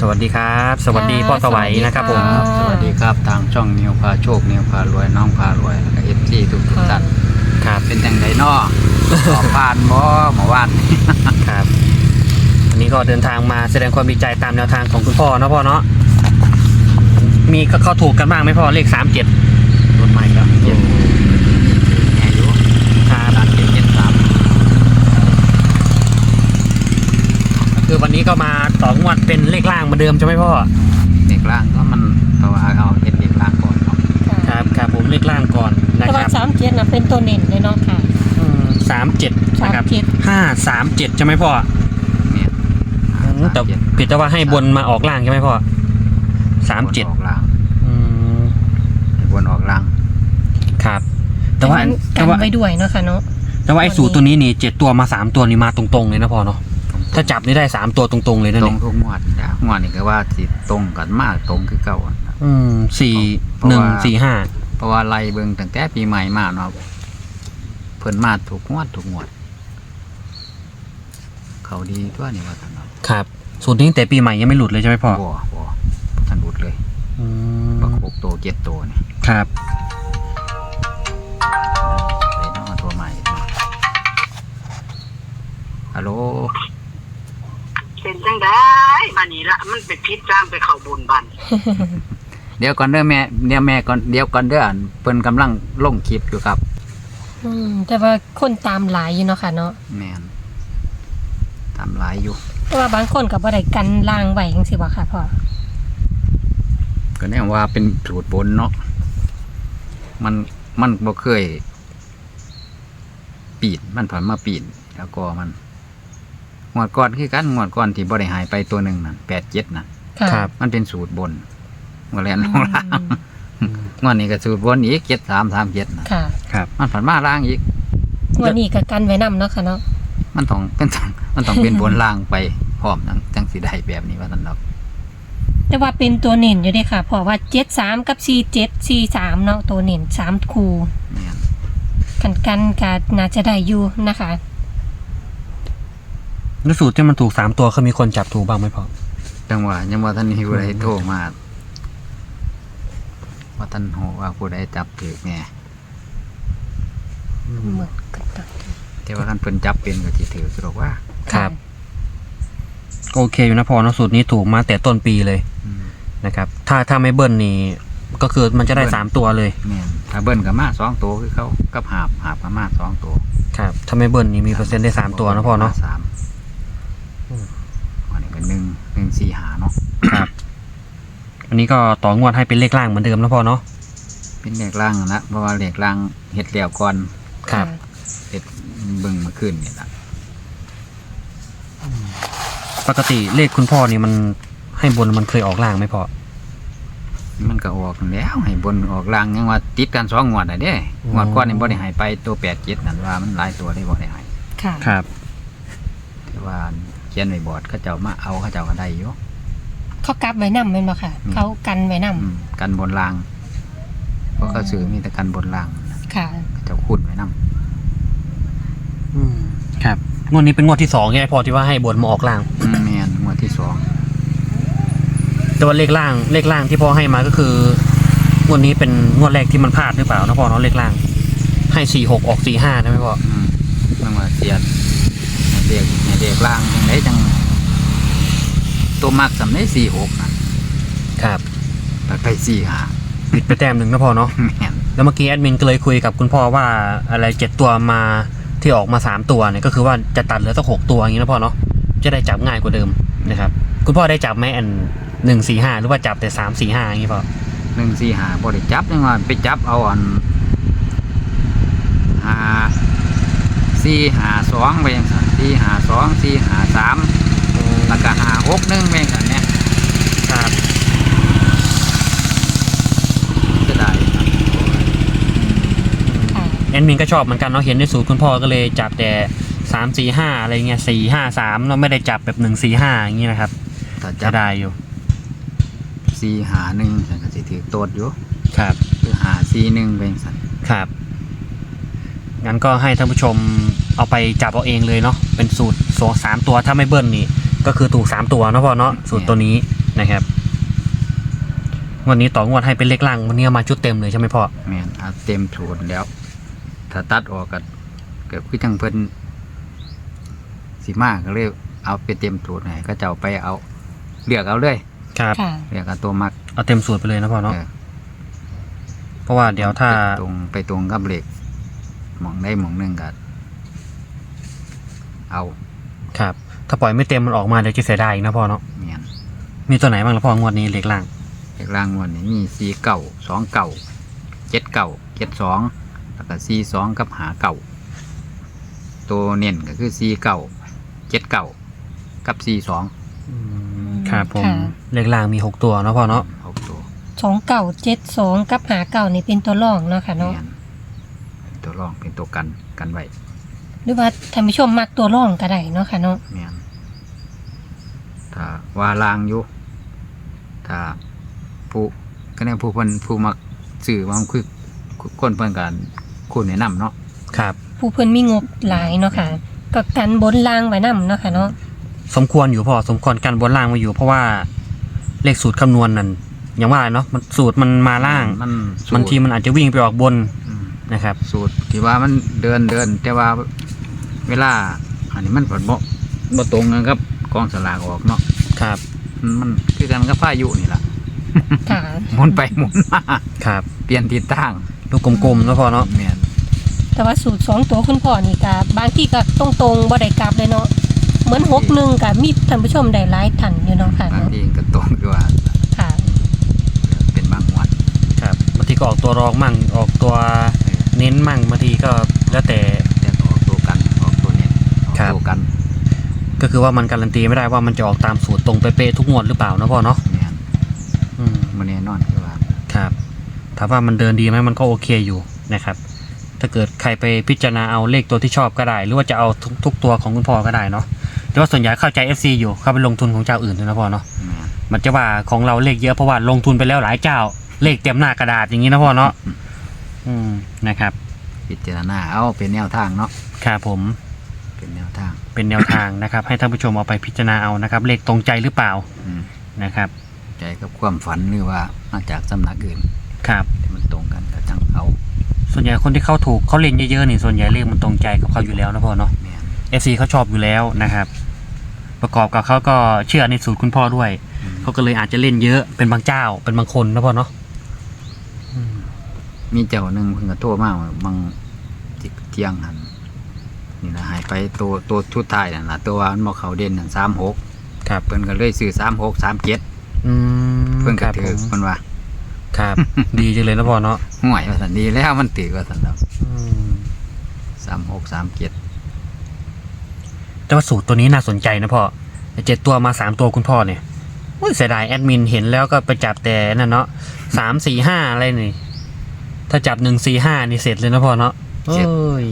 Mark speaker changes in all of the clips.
Speaker 1: สวัสดีครับสวัสดีพ่อสวัยนะครับผม
Speaker 2: สวัสดีครับทางช่องนิวพาโชคนิวพารวยน้องพารวยแล้วก็FCทุกท่าน
Speaker 1: ครับ
Speaker 2: เป็นจังไดน้อสอบผ่านบ่เมื่อวาน
Speaker 1: ครับวันนี้ก็เดินทางมาแสดงความดีใจตามแนวทางของคุณพ่อเนาะพ่อเนาะมีก็เข้าถูกกันบ้างไหมพ่อเลข37
Speaker 2: รถใหม่ครับเจ็ดแง่อยู่
Speaker 1: ครับ
Speaker 2: 73
Speaker 1: คือวันนี้ก็มาต่องวดเป็นเลขล่างเหมือนเดิมใช่ไหมพ่อ
Speaker 2: เด็กล่างก็มันเพราะว่าเอาเฮ็ดเด็กล่างก่อนเนาะ
Speaker 1: ครับผมเลขล่างก่อนนะ
Speaker 3: ค
Speaker 1: รับ
Speaker 3: 37นะเป็นตัวเน้นเลยเนาะค่ะ
Speaker 1: 37นะครับ537ใช่ไหมพ่อ
Speaker 2: เนี่ย
Speaker 1: แต่ผิดแต่ว่าให้บนมาออกล่างใช่ไหมพ่อ37
Speaker 2: ออกล่างให้บนออกล่าง
Speaker 1: ครับแต่ว่า
Speaker 3: กันไว้ด้วยเนาะค่ะเนาะ
Speaker 1: แต่ว่าไอ้สูตรตัวนี้นี่7ตัวมา3ตัวนี่มาตรงๆเลยนะพ่อเนาะถ้าจับนี่ได้3ตัวตรงๆเลยนะ
Speaker 2: ตร
Speaker 1: เนี่
Speaker 2: ง
Speaker 1: ย
Speaker 2: ทุกงวดจ้ะงวดนี่ก็ว่าสิตรงกันมากตรงคือเก่า
Speaker 1: 4-1-4-5
Speaker 2: เพราะว่าไล่เบิ่งตั้งแต่ปีใหม่มาเนาะเพิ่นมาถูกงวดเขาดีตัวนี่ว่าท่านเนาะ
Speaker 1: ครับสูตรนี้ตั้งแต่ปีใหม่ยังไม่หลุดเลยใช่ไหมพ่อ
Speaker 2: บ่ท่านหลุดเลยบัก6ตัว7ตัวนี่
Speaker 1: ครับ
Speaker 2: ไปเนาะตัวใหม่ฮัลโหล
Speaker 4: เป็นจังได้บัดนี้ละมันเป็นพิษจ้างไปเข้าบุญบัน
Speaker 2: เดี๋ยวก่อนเด้อแม่เดี๋ยวแม่ก่อนเดี๋ยวก่อนเด้อเพิ่นกำลังลงคลิปอยู่ครับ
Speaker 3: แต่ว่าคนตามหลายอยู่เนาะค่ะเนาะ
Speaker 2: แม่นตามหลายอยู่
Speaker 3: เพราะว่าบางคนก็บ่ได้กันล่างไว้จังซี่บ่ค่ะพ่อ
Speaker 2: ก็แน่ว่าเป็นสูตรบนเนาะมันบ่เคยปีนมันผ่านมาปีนแล้วก็มันงวดก่อนคือกันงวดก่อนที่บ่ได้หายไปตัวหนึ่งนั่น87นั่น
Speaker 1: ครับ
Speaker 2: มันเป็นสูตรบนงวดแรกลงล่างงวดนี้ก็สูตรบนอีก7337น่ะ
Speaker 3: ค่ะ
Speaker 1: ครับ
Speaker 2: มันผ่านมาล่างอีก
Speaker 3: งวดนี้ก็กันไว้นำเนาะค่ะเนาะ
Speaker 2: มันต้องเป็นบนล่างไปพร้อมจังสิได้แบบนี้ว่าซั่นดอก
Speaker 3: แต่ว่าเป็นตัวเน้นอยู่เด้ค่ะเพราะว่า73กับ4743เนาะตัวเน้น3คู่
Speaker 2: แม่น
Speaker 3: กันก็น่าจะได้อยู่นะคะ
Speaker 1: แล้วสูตรที่มันถูก3ตัวเขามีคนจับถูกบ้างไหมพ่อ
Speaker 2: จังหวะยังว่าท่านมีผู้ใดโทรมาว่าท่านโหว่าผู้ใดจับถูกแน่
Speaker 3: เหมือนกัน
Speaker 2: แต่ว่าท่านเพิ่นจับเป็นก็สิถือสรุปว่า
Speaker 1: ครับโอเคอยู่นะพ่อเนาะสูตรนี้ถูกมาแต่ต้นปีเลยนะครับถ้าไม่เบิ้ลนี่ก็คือมันจะได้3ตัวเลย
Speaker 2: แม่นถ้าเบิ้ลก็มา2ตัวคือเขากับหาบก็มา2ตัว
Speaker 1: ครับถ้าไม่เบิ้ลนี่มีเปอร์เซ็นต์ได้3ตัวนะพ่อเนาะ
Speaker 2: อันนี้เป็น1-4-5เนาะ
Speaker 1: ครับอันนี้ก็ต่องวดให้เป็นเลขล่างเหมือนเดิมนะพ่อเนาะ
Speaker 2: เป็นเลขล่างนะเพราะว่าเลขล่างเฮ็ดแล้วก่อน
Speaker 1: ครับ
Speaker 2: เฮ็ดเบิ่งมาขึ้นนี่ล่ะ
Speaker 1: ปกติเลขคุณพ่อนี่มันให้บนมันเคยออกล่างไหมพ่อ
Speaker 2: มันก็ออกแล้วให้บนออกล่างยังว่าติดกัน2งวดน่ะเด้งวดก่อนนี่บ่ได้ให้ไปตัว87นั่นว่ามันหลายตัวได้บ่ได้ให้
Speaker 3: ค่ะ
Speaker 1: ครับ
Speaker 2: แต่ว่าเขียนไว้บอร์ดเขาเจ้ามาเอาเขาเจ้าก็ได้อยู่
Speaker 3: เขากลับไว้นำแม่นบ่ค่ะเขากันไว้นำ
Speaker 2: กันบนล่างเพราะเขาซื้อมีแต่กันบนล่าง
Speaker 3: ค่ะ
Speaker 2: เขาเจ้าคุ้นไว้นำ
Speaker 1: ครับงวดนี้เป็นงวดที่2ใช่ไหมพ่อที่ว่าให้บนมาออกล่าง
Speaker 2: แม่นงวดที่2
Speaker 1: แต่ว่าเลขล่างที่พ่อให้มาก็คืองวดนี้เป็นงวดแรกที่มันพลาดหรือเปล่านะพ่อเนาะเลขล่างให้46ออก45ใช่ไหมพ่อ
Speaker 2: มันว่าเสียเด็กล่างจังไดจังตัวมักสำได้46
Speaker 1: นะครับ
Speaker 2: ไป45
Speaker 1: ผิดไปแต้มนึงนะพ่อเนาะแล้วเมื่อกี้แอดมินก็เลยคุยกับคุณพ่อว่าอะไร7ตัวมาที่ออกมา3ตัวเนี่ยก็คือว่าจะตัดเหลือสัก6ตัวอย่างนี้นะพ่อเนาะจะได้จับง่ายกว่าเดิมนะครับคุณพ่อได้จับไหมอัน1-4-5หรือว่าจับแต่3-4-5อย่างนี้พ่อ
Speaker 2: 1-4-5บ่ได้จับจังว่าไปจับเอาอัน4-5-2ไปจังซั่น4-5-2 4-5-3แล้วก็5-6-1ไปจังซั่นเนี่ย
Speaker 1: ครับ
Speaker 2: จะได้
Speaker 1: แอดมินก็ชอบเหมือนกันเนาะเห็นในสูตรคุณพ่อก็เลยจับแต่3-4-5อะไรเงี้ย4-5-3เราไม่ได้จับแบบ1-4-5อย่างนี้นะครับจะได้อยู่
Speaker 2: 4-5-1ฉันก็สิถือโตดอยู่
Speaker 1: ครับ
Speaker 2: คือ5-4-1เป็นสั่น
Speaker 1: ครับงั้นก็ให้ท่านผู้ชมเอาไปจับเอาเองเลยเนาะเป็นสูตร3ตัวถ้าไม่เบิ้ลนี่ก็คือถูก3ตัวเนาะพ่อเนาะสูตรตัวนี้นะครับงวดนี้ต่องวดให้เป็นเลขล่างวันนี้เอามาชุดเต็มเลยใช่ไหมพ่อ
Speaker 2: แม่นเอาเต็มโทนแล้ว ถ้าตัดออกก็เกิดคือจังเพิ่นสิมาก็เลยเอาไปเต็มโทนให้ก็จะเอาไปเอาเลือกเอาเลย
Speaker 1: ครับ
Speaker 3: ค่ะ
Speaker 2: เลือกเอาตัวมัก
Speaker 1: เอาเต็มสูตรไปเลยนะพ่อเนาะ
Speaker 2: เออ
Speaker 1: เพราะว่าเดี๋ยวถ้า
Speaker 2: ไปตรงกับเลขหมองได้หมองหนึงก็เอา
Speaker 1: ครับถ้าปล่อยไม่เต็มมันออกมาเดี๋ยวจะเสียดายอีกนะพ่อเนาะ
Speaker 2: แม่น
Speaker 1: มีตัวไหนบ้างละพ่องวดนี้เลขล่าง
Speaker 2: เลขล่างงวดนี้มี4 9 2 9 7 9 7 2แล้วก็4 2กับ5 9ตัวเน้นก็คือ4 9 7 9กับ4 2
Speaker 1: ครับผม
Speaker 3: ค่ะ
Speaker 1: เลขล่างมี6ตัวนะพ่อเนาะ
Speaker 2: 6ตัว
Speaker 3: 2972กับ59นี่เป็นตัวรองเนาะค่ะเนาะ
Speaker 2: แม่นเป็นตัวรองเป็นตัวกันไว้
Speaker 3: หรือว่าท่านผู้ชมมักตัวรองก็ได้เนาะค่ะเนาะ
Speaker 2: แม่นถ้าว่าลางอยู่ถ้าผู้ก็เนี่ยผู้มักสื่อมันคือคนเพิ่นกันคุณแนะนำเนาะ
Speaker 1: ครับ
Speaker 3: ผู้เพิ่นมีงบหลายเนาะค่ะก็กันบนล่างไว้นํเนาะค่ะเนาะ
Speaker 1: สมควรอยู่พ่อสมควรกันบนล่างมาอยู่ เพราะว่าเลขสูตรคำนวณนั่นอย่างว่าเนาะมันสูตรมันมาล่าง
Speaker 2: มันสูตร
Speaker 1: บางทีมันอาจจะวิ่งไปออกบน
Speaker 2: อืม
Speaker 1: นะครับ
Speaker 2: สูตรที่ว่ามันเดินแต่ว่าเวลาอันนี้มันผลบ่ตรงกันครับกองสลากออกเนาะ
Speaker 1: ครับ
Speaker 2: มันคือกันกับพายุนี่ล่ะ
Speaker 3: ค่ะ
Speaker 2: หมุนไปหมุนมา
Speaker 1: ครับ
Speaker 2: เปลี่ยนทิศทาง
Speaker 1: ลูกกลมๆนะพ่อเนาะ
Speaker 2: แม่น
Speaker 3: แต่ว่าสูตร2ตัวคุณพ่อนี่ก็บางที่ก็ตรงๆบ่ได้กลับเลยเนาะเหมือน61ก็มีท่านผู้ชมได้หลายท่านอยู่เนาะค่ะ
Speaker 2: บาง
Speaker 3: เนาะ
Speaker 2: ทีก็ตรงคือว่า
Speaker 3: ค่ะ
Speaker 2: เป็นบางวัน
Speaker 1: ครับบางทีก็ออกตัวรองมั่งออกตัวเน้นมั่งบางทีก็แล้วแต่
Speaker 2: แต่ออกตัวกันออกตัวเนี้ยออก
Speaker 1: ครับ
Speaker 2: ตัวกัน
Speaker 1: ก็คือว่ามันการันตีไม่ได้ว่ามันจะออกตามสูตรตรงเป๊ะๆทุกงวดหรือเปล่านะพ่อเนาะ
Speaker 2: แม่น
Speaker 1: อืม
Speaker 2: มันแน่นอนคือว่า
Speaker 1: ครับถามว่ามันเดินดีไหมมันก็โอเคอยู่นะครับ ถ้าเกิดใครไปพิจารณาเอาเลขตัวที่ชอบก็ได้ หรือว่าจะเอาทุกตัวของคุณพ่อก็ได้เนาะแต่ว่าส่วนใหญ่เข้าใจ FC อยู่เข้าไปลงทุนของเจ้าอื่นด้วยนะพ่อเนาะ
Speaker 2: แม่น
Speaker 1: มันจะว่าของเราเลขเยอะเพราะว่าลงทุนไปแล้วหลายเจ้า เลขเต็มหน้ากระดาษอย่างนี้นะพ่อเนาะนะครับ
Speaker 2: พิจารณาเอาเป็นแนวทางเนาะ
Speaker 1: ครับผม
Speaker 2: เป็นแนวทาง
Speaker 1: เป็นแนวทางนะครับ ให้ท่านผู้ชมเอาไปพิจารณาเอานะครับ เลขตรงใจหรือเปล่า
Speaker 2: อืม
Speaker 1: นะครับ
Speaker 2: ใจกับความฝันหรือว่ามาจากสำนักอื่น
Speaker 1: ครับ
Speaker 2: ที่มันตรงกันก็จังเอา
Speaker 1: ส่วนใหญ่คนที่เข้าถูกเขาเล่นเยอะๆนี่ส่วนใหญ่เลขมันตรงใจกับเขาอยู่แล้วนะพ่อเนาะ
Speaker 2: แม่น
Speaker 1: FC เขาชอบอยู่แล้วนะครับ ประกอบกับเขาก็เชื่อในสูตรคุณพ่อด้วย
Speaker 2: อืม
Speaker 1: เขาก็เลยอาจจะเล่นเยอะเป็นบางเจ้าเป็นบางคนนะพ่อเนาะ
Speaker 2: มีเจ้าหนึ่งเพิ่งก็โทรมาบางเที่ยงหันนี่นะหายไปตัวชุดท้ายนั่นล่ะตัวว่ามันบ่เข้าเด่นนั่น36
Speaker 1: ครับ
Speaker 2: เพิ่นก็เลยซื้อ36 37
Speaker 1: อืม
Speaker 2: เพิ่น
Speaker 1: ค
Speaker 2: ก็
Speaker 1: รับ
Speaker 2: ถือ
Speaker 1: ผม
Speaker 2: เพิ่นว่า
Speaker 1: ครับ ดีจังเลยนะพ่อเนาะ
Speaker 2: ห่วยว่าซั่นดีแล้วมันถือว่าซั่นแล้ว
Speaker 1: อืม
Speaker 2: 36 37
Speaker 1: แต่ว่าสูตรตัวนี้น่าสนใจนะพ่อ7ตัวมา3ตัวคุณพ่อเนี่ยโอ้ยเสียดายแอดมินเห็นแล้วก็ไปจับแต่นั่นเนาะ3 4 5อะไรนี่ ถ้าจับ1 4 5นี่เสร็จเลยนะพ่อเนาะโอ้ย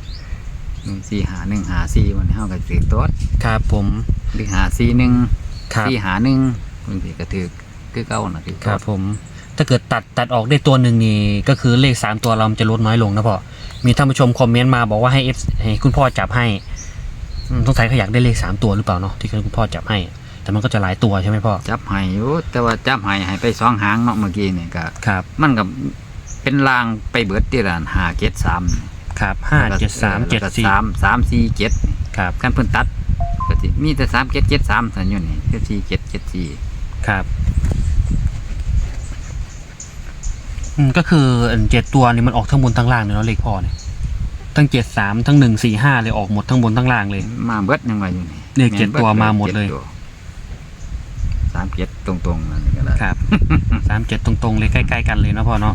Speaker 2: 145 154มันเฮาก็ถือตัว
Speaker 1: ครับผม
Speaker 2: หรือ541
Speaker 1: ครับ
Speaker 2: 451มันสิก็ถือคือเก่าน่ะถือ
Speaker 1: ครับผม ถ้าเกิดตัดออกได้ตัวหนึ่งนี่ก็คือเลข3ตัวเรามันจะลดน้อยลงนะพ่อมีท่านผู้ชมคอมเมนต์มาบอกว่าให้ให้คุณพ่อจับให้สงสัยเขาอยากได้เลข3ตัวหรือเปล่าเนาะที่คุณพ่อจับให้ แต่มันก็จะหลายตัวใช่ไหมพ่อ
Speaker 2: จับให้อยู่แต่ว่าจับให้ไป2หางเนาะเมื่อกี้นี่ก็
Speaker 1: ครับ
Speaker 2: มันก็เป็นลางไปเบิดที่ร้าน573
Speaker 1: ครับ5 7 3 7 4
Speaker 2: 347
Speaker 1: ครับ
Speaker 2: กันเพิ่นตัดก็สิมีแต่3773ซั่นอยู่นี่4774
Speaker 1: ครับก็คือ7ตัวนี่มันออกทั้งบนทั้งล่างเลยเนาะเลขพ่อเนี่ยทั้ง73ทั้ง1 4 5เลยออกหมดทั้งบนทั้งล่างเลย
Speaker 2: มาเบิดยังว่าอยู่นี่
Speaker 1: เลข7ตัวมาหมดเลย
Speaker 2: 37ตรงๆนั่นก็ได้
Speaker 1: ครับ 37ตรงๆเลยใกล้ๆกันเลยนะพ่อเนาะ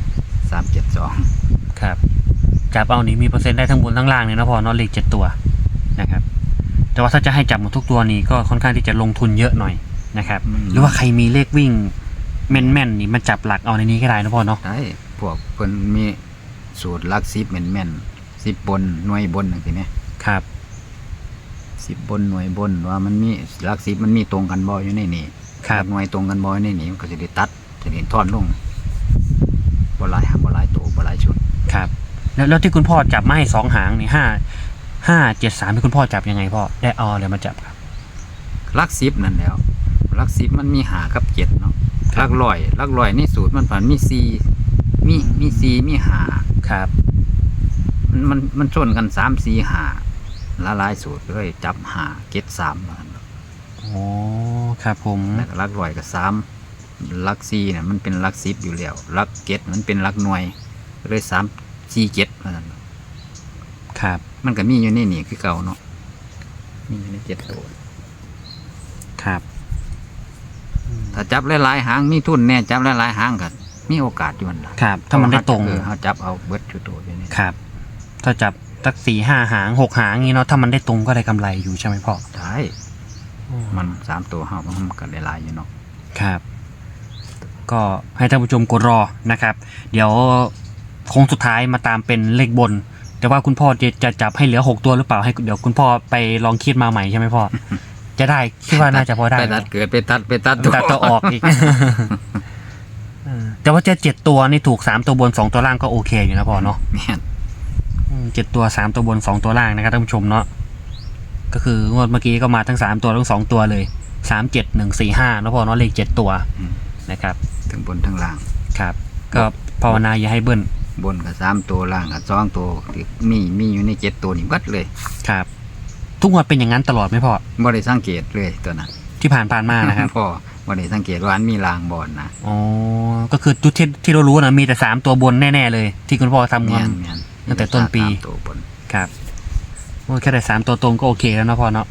Speaker 2: 372
Speaker 1: ครับจับเอานี่มีเปอร์เซ็นต์ได้ทั้งบนทั้งล่างเลยนะพ่อเนาะเลข7ตัวนะครับ แต่ว่าถ้าจะให้จับหมดทุกตัวนี่ก็ค่อนข้างที่จะลงทุนเยอะหน่อยนะครับ หรือว่าใครมีเลขวิ่งแม่นๆนี่มันจับหลักเอาในนี้ก็ได้นะพ่อเนาะ
Speaker 2: ได้พวกเพิ่นมีสูตรหลัก10แม่นๆ10บนหน่วยบนจังซี่แหม
Speaker 1: ครับ
Speaker 2: 10บนหน่วยบนว่ามันมีหลัก10มันมีตรงกันบ่อยู่ในนี่
Speaker 1: ครับ
Speaker 2: หลักหน่วยตรงกันบ่อยู่ในนี่มันก็สิได้ตัดสิได้ทอนลงบ่หลายตัวบ่หลายชุด
Speaker 1: ครับแล้วที่คุณพ่อจับมาให้2หางนี่5 7 3ที่คุณพ่อจับยังไงพ่อได้เอาอะไรมาจับครับ
Speaker 2: หลัก10นั่นแหล้วหลัก10มันมีหากับ7เนาะหลักร้อยในสูตรมันผ่านมี4มี4มี5
Speaker 1: ครับ
Speaker 2: มันชนกัน3 4 5ละลายสูตรเลยจับ5 7 3ว่าซั่น
Speaker 1: อ๋อครับผม
Speaker 2: แล้วก็หลักร้อยกับ3หลัก4เนี่ยมันเป็นหลัก10อยู่แล้วหลัก7มันเป็นหลักหน่วยเลย3 4 7ว่าซั่น
Speaker 1: ครับ
Speaker 2: มันก็มีอยู่ในนี่คือเก่าเนาะมีอยู่ใน7ตัว
Speaker 1: ครับ
Speaker 2: ถ้าจับหลายๆหางมีทุนแน่จับหลายๆหางกันมีโอกาสอยู่นั่นล่ะ
Speaker 1: ครับ ถ้ามันได้ตรง
Speaker 2: เขาจับเอาเบิดอยู่ตัวอยู่นี่
Speaker 1: ครับ ถ้าจับสัก4-5 หาง 6 หางงี้เนาะถ้ามันได้ตรงก็ได้กำไรอยู่ใช่ไหมพ่อ
Speaker 2: ใช่มัน3ตัวเฮามันก็ได้หลายอยู่เนาะ
Speaker 1: ครับ ก็ให้ท่านผู้ชมกดรอนะครับ เดี๋ยวโค้งสุดท้ายมาตามเป็นเลขบน แต่ว่าคุณพ่อจะจับให้เหลือ6ตัวหรือเปล่าให้เดี๋ยวคุณพ่อไปลองคิดมาใหม่ใช่ไหมพ่อ จะได้คิดว่าน่าจะพอได้
Speaker 2: ไปตัดเกิดไปตัด
Speaker 1: ตัดตัวออกอีก แต่ว่าจะ7ตัวนี่ถูก3ตัวบน2ตัวล่างก็โอเคอยู่นะพ่อเนาะ
Speaker 2: แม่น
Speaker 1: 7ตัว3ตัวบน2ตัวล่างนะครับท่านผู้ชมเนาะก็คืองวดเมื่อกี้ก็มาทั้ง3ตัวทั้ง2ตัวเลย3 7 1 4 5แล้วพ่อเนาะเลข7ตัวนะครับ
Speaker 2: ทั้งบนทั้งล่าง
Speaker 1: ครับ ก็ภาวนาอย่าให้เบิ้ล
Speaker 2: บนกับ3ตัวล่างกับ2ตัวที่มีอยู่ใน7ตัวนี่เบิดเลย
Speaker 1: ครับ ทุกงวดเป็นอย่างนั้นตลอดไหมพ่อ
Speaker 2: บ่ได้สังเกตเลยตัวนั้น
Speaker 1: ที่ผ่านมานะครับ
Speaker 2: พ่อบ่ได้สังเกตว่าอันมีรางบอนนะ
Speaker 1: อ๋อก็คือทุกที่เรารู้นะมีแต่3ตัวบนแน่ๆเลย ที่คุณพ่อทำงาน
Speaker 2: แม่น
Speaker 1: ตั้งแต่ต้นปี
Speaker 2: สามตัวบน
Speaker 1: ครับโอ้แค่ได้3ตัวตรงก็โอเคแล้วนะพ่อเนาะ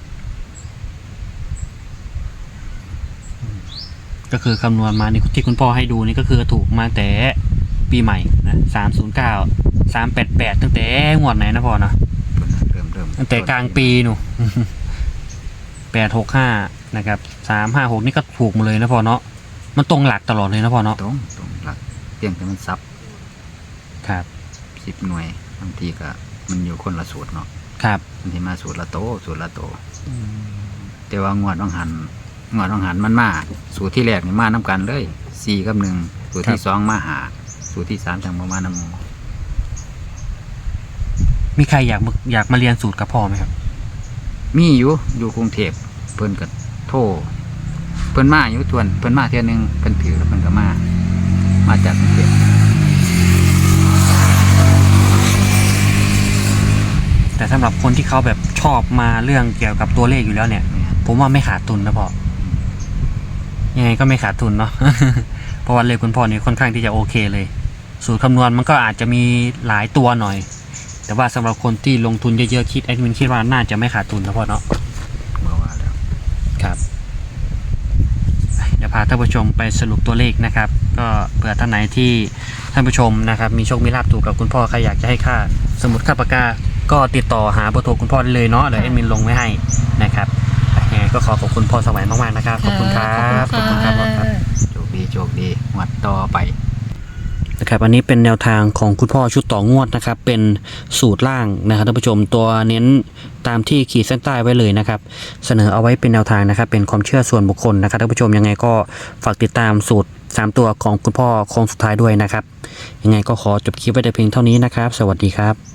Speaker 1: ก็คือคำนวณมานี่ที่คุณพ่อให้ดูนี่ก็คือถูกมาแต่ปีใหม่นะ309 388ตั้งแต่งวดไหนนะพ่อเนาะ
Speaker 2: ตัวนั้นเริ่ม
Speaker 1: ตั้งแต่กลางปีหนู 865นะครับ356นี่ก็ถูกหมดเลยนะพ่อเนาะมันตรงหลักตลอดเลยนะพ่อเนาะ
Speaker 2: ตรงหลักเพียงแต่มันซับ
Speaker 1: ครับ
Speaker 2: 10หน่วยบางทีก็มันอยู่คนละสูตรเนาะ
Speaker 1: ครับ
Speaker 2: บางทีมาสูตรละโตแต่ว่างวดต้องหันมันมาสูตรที่แรกนี่มานํกันเลย4กับ1สูตรที่2มาหาสูตรที่3จังบ่มานำ
Speaker 1: มีใครอยากมาเรียนสูตรกับพ่อไหมครับ
Speaker 2: มีอยู่กรุงเทพเพิ่นก็โทรเพิ่นมาอยู่ทวนเพิ่นมาเที่ยนึงเพิ่นถือแล้วเพิ่นก็มาจากกรุงเทพ
Speaker 1: แต่สำหรับคนที่เขาแบบชอบมาเรื่องเกี่ยวกับตัวเลขอยู่แล้วเนี่ย ผมว่าไม่ขาดทุนนะพ่อยังไงก็ไม่ขาดทุนเนาะ เพราะว่าเลขคุณพ่อนี่ค่อนข้างที่จะโอเคเลย สูตรคำนวณมันก็อาจจะมีหลายตัวหน่อย แต่ว่าสำหรับคนที่ลงทุนเยอะๆคิดแอดมินคิดว่าน่าจะไม่ขาดทุนนะพ่อเนาะ
Speaker 2: เมื่อว่าแล้ว
Speaker 1: ครับเดี๋ยวพาท่านผู้ชมไปสรุปตัวเลขนะครับ ก็เผื่อท่านไหนที่ท่านผู้ชมนะครับมีโชคมีลาภถูกกับคุณพ่อใครอยากจะให้ค่าสมุดค่าปากกาก็ติดต่อหาเบอร์โทรคุณพ่อได้เลยเนาะเดี๋ยวแอดมินลงไว้ให้นะครับยังไงก็ขอบคุณพ่อสวัยมากๆนะครับขอบคุณครับ
Speaker 3: ขอบคุณ
Speaker 1: พ่อ
Speaker 3: ค่ะ
Speaker 1: ครับ
Speaker 2: โชคดีงวดต่อไป
Speaker 1: นะครับอันนี้เป็นแนวทางของคุณพ่อชุดต่องวดนะครับเป็นสูตรล่างนะครับท่านผู้ชมตัวเน้นตามที่ขีดเส้นใต้ไว้เลยนะครับเสนอเอาไว้เป็นแนวทางนะครับเป็นความเชื่อส่วนบุคคลนะครับท่านผู้ชมยังไงก็ฝากติดตามสูตร3ตัวของคุณพ่อโค้งสุดท้ายด้วยนะครับยังไงก็ขอจบคลิปไว้แต่เพียงเท่านี้นะครับสวัสดีครับ